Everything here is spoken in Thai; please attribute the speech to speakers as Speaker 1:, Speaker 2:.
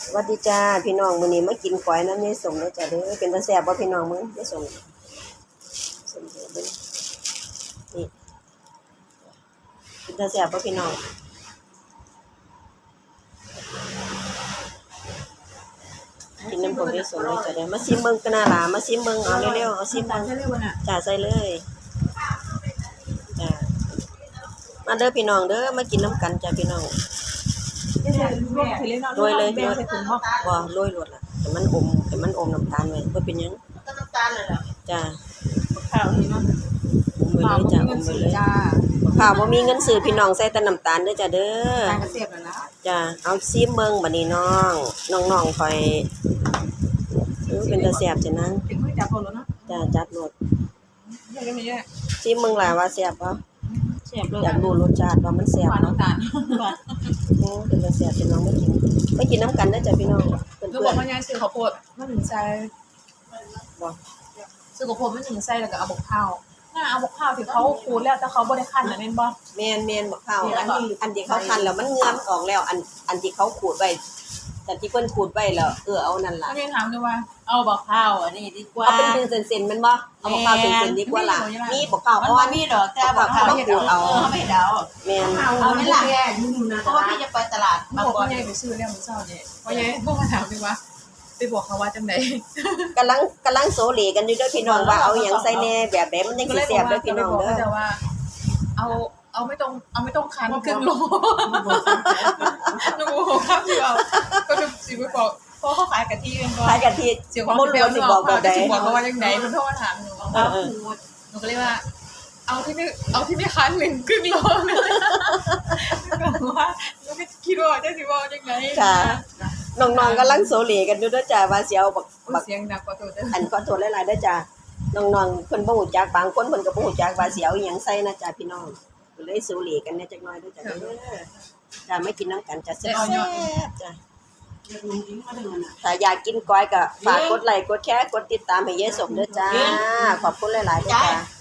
Speaker 1: สวัสดีจ้าพี่น้องมื้อนี้มากินก๋วยน้ำยายสมเด้อจ้าเด้อเป็นตาแซ่บบ่พี่น้องมึงยายสมสมเด้อเบิ่งนี่เป็นตาแซ่บบ่พี่น้องกินน้ำผงยายสมเลยจ้าเด้อมาซิมเบิ่งกันน่าหลามาซิมเบิ่งเอาเร็วๆเอาซิมเบิ่งจ้าใส่เลยจ้ามาเด้อพี่น้องเด้อมากินน้ำกันจ้าพี่น้องโรยเลยบ่โรยรสล่ะแต่มันอมน้ำตาลไว้บ่เป็นหยัง
Speaker 2: น้ำตาลเลยเหรอ
Speaker 1: จ้า
Speaker 2: ข้าวนี่เนาะ
Speaker 1: ข้าวบ่มีเงินซื้อจ้าข้าวบ่มีเงินซื้อพี่น้องใส่แต่น้ำตาลเด้อจ้าเด้อ
Speaker 2: ตาลกระเสียบแล้วนะ
Speaker 1: จ้าเอาซิมเบิ่งบัดนี้น้องค่อยเป็นตาแซ่บจ้ะนาง
Speaker 2: เป็นมื้อจับเอาแล้วเนาะ
Speaker 1: จ้าจัดรส
Speaker 2: ยังไม่เยอะ
Speaker 1: ซิมเบิ่งล่ะว่าแซ่บบ่
Speaker 2: เสียบเลย
Speaker 1: อยากรู้รสชาติว่ามันแซ่บเนาะ
Speaker 2: น้ำตาล
Speaker 1: เป็นตาแซ่บพี่น้องมากินน้ำกันเด้อจ้ะพี่น้องเพิ่น
Speaker 2: ลูกบอกว่ายายซื้อข้าวโพดมาหนึ่งใส่
Speaker 1: บ่
Speaker 2: ซื้อข้าวโพดมาหนึ่งใส่แล้วก็เอาบกข้าวน่าเอาบกข้าวที่เขาขูดแล้วแต่เขาบ่ได้คั่นน่ะแม่นบ่
Speaker 1: แม่นบักข้าวอันที่เขาคั่นแล้วมันเหงื่อมันออกแล้วอันที่เขาขูดไว้แต่ที่เพิ่นขูดไว้แล้วเอานั่นล่ะ
Speaker 2: ก็ยังถามด้วยว่าเอาบกข้าวอันนี้ดีกว่า
Speaker 1: เอาเป็นเส้นๆมันบ่เอาบักข้าวเส้นๆดีกว่าล่ะมีบักข้าวอ่อน
Speaker 2: มีดอกแต่บกข้าว
Speaker 1: ขูดเอา
Speaker 2: ไม่เดา
Speaker 1: แม่น
Speaker 2: เอาไม่ล่ะเพราะว่าพี่จะไปตลาดบางก่อนยายไปซื้อแล้วมื้อเช้านี่เพราะยายบ่มาถามด้วยว่าไปบอกเขาว่าจังได๋
Speaker 1: กำลังโซเลกันอยู่เด้อพี่น้องว่าเอาหยังใส่แน่แบบใดมันจังสิแซ่บเด้อพี่น้องเด้อ
Speaker 2: ว่าเอาไม่ต้องคันครึ่งโลนูครับสิเอาก็สิไปบอกเพราะเขาขายกะทิเป็นบ่
Speaker 1: ขายกะทิ
Speaker 2: บ่รู้สิบอกแบบใดสิบอกเขาว่าจังได๋มันโทรมาถามหนูหนูก็เลยว่าเอาที่ไม่คัน1ครึ่งโลเลยก็ว่าแล้วก็คิดว่าจะสิบอกจังได๋
Speaker 1: ค่ะน้องๆกำลังโซเลกันอยู่เด้อจ้าว่าสิเอาบัก
Speaker 2: เสียงดังกว่าตัวเด้อ
Speaker 1: อันขอโทษหลายๆเด้อจ้าน้องๆเพิ่นบ่ฮู้จักบางคนเพิ่นก็บ่ฮู้จักว่าสิเอาอีหยังใส่นะจ้าพี่น้องก็เลยโซเลกันแหน่จักหน่อยเด้อจ้าเด้อจ้าไม่กินน้ำกันจ้าแซ่บๆจ้าถ้าอยากกินก้อยก็ฝากกดไลค์กดแชร์กดติดตามให้ยายสมเด้อจ้าขอบคุณหลายๆเด้อจ้า